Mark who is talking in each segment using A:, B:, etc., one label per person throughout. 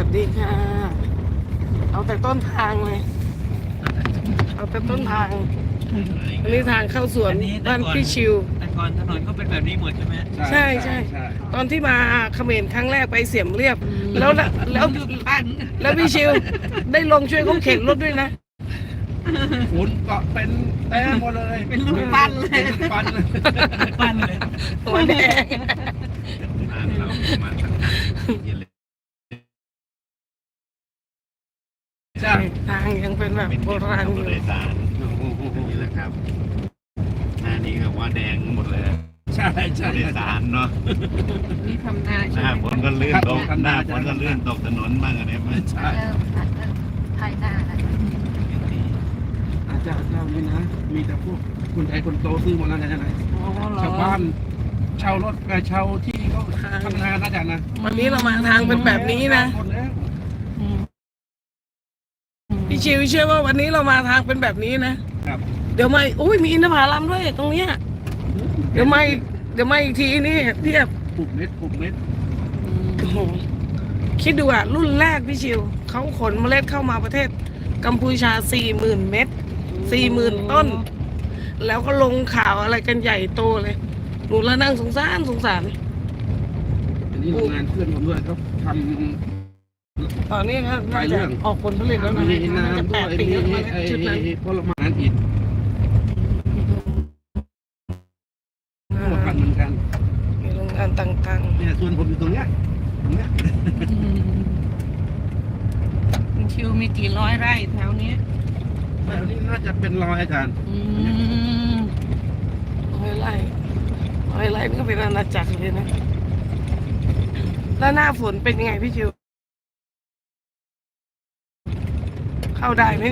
A: วัสดีค่ะ เอาแต่ต้นทางเลย เอาแต่ต้นทางอันนี้ทางเข้าสวนบ้านพี่ชิว
B: แต่ก่อนถนนก็เป็นแบบนี้หมดใช่ไหม
A: ใช่ใช่ตอนที่มาเขมรครั้งแรกไปเสียมเรียบ แล้วพี่ชิวได้ลงช่วยเขาเข็นรถด้วยนะ
C: ฝุ่นเกาะเป็นแต้มหมดเลย
B: เป็นลูกปั้นเลย
C: เป็นปั้นเลย
B: ปั้นเลย
A: หัวแดง
D: บ้านเรามาทางเย็นเลย
C: ใช่
A: ทางยังเป็นแบบโบราณอยู่
D: โดยสารนี่แหละครับหน้านี้ก็ว่าแดงหมดเลย
C: ใช่ใช่
D: โดยสารเนาะ
B: นี่ทำนา
D: ห
B: ใช่
D: น้า
B: ไหม
D: ฝนก็ลื่นตกหน้าฝนก็ลื่นตกถนนบ้างอะไรบ้าง
C: ใช่
E: เริ่มภายหน้าแล้ว
C: อาจารย์เรานี่นะ มีแต่พวกคนไทยคนโตซื้อหมดแล้วนะไหน
A: อ๋อเหรอ
C: ชาวบ้านเช่ารถเช่าที่เขาทำงานนะอาจารย์นะ
A: วันนี้เรามาทางเป็นแบบนี้นะ
C: หมดแล้ว
A: พี่ชิวเชื่อว่าวันนี้เรามาทางเป็นแบบนี้นะครับ เดี๋ยวมาอุ้ยมีอินทผลัมด้วยตรงเนี้ยเดี๋ยวมาอีกทีนี่เทียบ
C: ปลูกเม็ดปลูกเม็ด
A: โอ้โหคิดดูอ่ะรุ่นแรกพี่ชิวเขาขนเมล็ดเข้ามาประเทศกัมพูชา 40,000 เม็ด 40,000 ต้น แล้วก็ลงข่าวอะไรกันใหญ่โตเลยหนูแล้วนั่งสงสาร
C: อันนี้โรงงานเพื่อนผมด้วยเขาท
A: ตอนนี้ก็
C: หลา
A: น่าย
C: เรื่
A: จะ
C: อง
A: ออกผลผลิตแล้ว
C: ำ
A: นะ
C: มี
A: น่าจะ
C: น้ำด้
A: 8
C: วย
A: ปี
C: มี
A: แล้วมั้ง
C: ไอ้
A: ชุดนั้น
C: ผลไม้อีกทั้งหมดพันเหมือนกัน
A: มีโรงงานต่าง
C: เนี่ยส่วนผมอยู่ตรงเนี้ย
B: ชิวมีกี่ร้อยไร่แถวนี้
C: แถวนี้น่าจะเป็นรอยอาจารย์
A: ๆ100 ไร่นี่ก็เป็นอาณาจักรเลยนะแล้วหน้าฝนเป็นยังไงพี่ชิวเข้าได้ไหม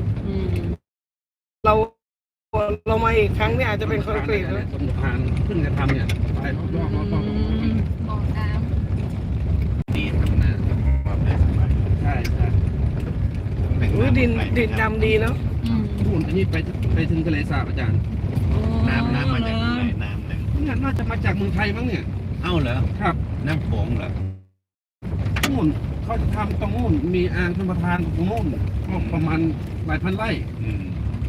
A: เรามาอีกครั้งเนี่ยอาจจะเป็นคอนกรีตแล้ว
C: สมทานเพิ่งจะทำเนี่ยไปรอบๆ
E: มองน้
D: ดีทำนาความได้สบาย
C: ใช่ใช่
A: อุ้ยดินดำดีเนาะ
C: นู่นอันนี้ไปถึงทะเลสาบอาจารย์
D: น้ำมาจากไหนน้ำหนึ่ง
C: เนี่ยน่าจะมาจากเมืองไทยมั้งเนี่ย
D: เอ้าเหรอ
C: ครับ
D: น้ำโขงเหรอ
C: นู่นเขาจะทำตรงนู่นมีอ่างชลประทานตรงนู่นก็ประมาณหลายพันไร่
D: อืม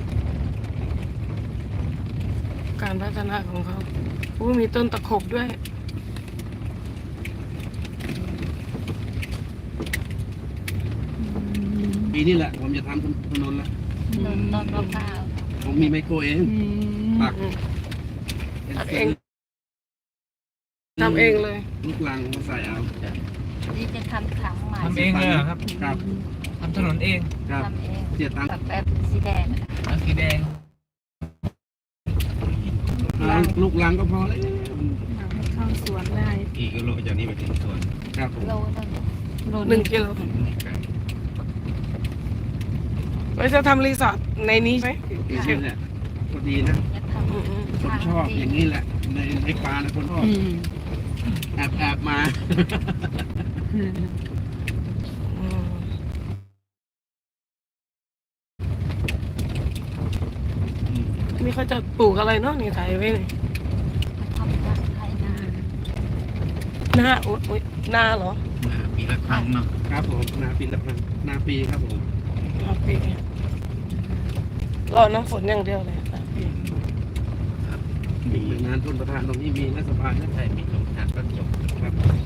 A: การพัฒนาของเขาอุ้ยมีต้นตะขบด้วย
C: ปีนี้แหละผมจะทำถนนละ
E: ำต้นมะพร้าว
C: ผมมีไมโครเองตัก
A: ตักเอง ทำเองเลย
C: ลูกลังมาใส่เอา
E: นี่จะทำถังใหม่
B: ทำเองเลยเหรอครับ
C: ครับ
B: ทำถนนเอง
C: ครับ
E: ทำเอง
C: เสียตังค์
E: แบบสีแดง
B: เอาสีแดง
C: ลูกลังก็พอแล้ว
A: เข้าสวนได้
D: กี่กิโลจากนี้ไปถึงสวน
C: ครับผม
E: โลนึง
A: 1 กิโลไว้จะทำรีสอร์ทในนี้ใช่ไหม
C: นี่แหละพอดีนะ
E: จะทำ
C: ผมชอบอย่างนี้แหละ ในปลานะคนชอบแอบมา
A: นี่เขาจะปลูกอะไรเนาะนี่ถ่ายไว้เลย
E: ทำจากไทยนา
A: หน้าอุ๊ยหน้าเหรอ
D: ปีละครั้งเนาะ
C: ครับผมนาปีละพันนาปีครับผม
A: หน้าปีรอน้ำฝนอย่างเดียวเลยหน้าปี
D: ครับ
C: มีหน่วยงานทุนประธานตรงนี้มีนะสภานะ
D: ใช่มีสงครามก็จบ
C: ครับ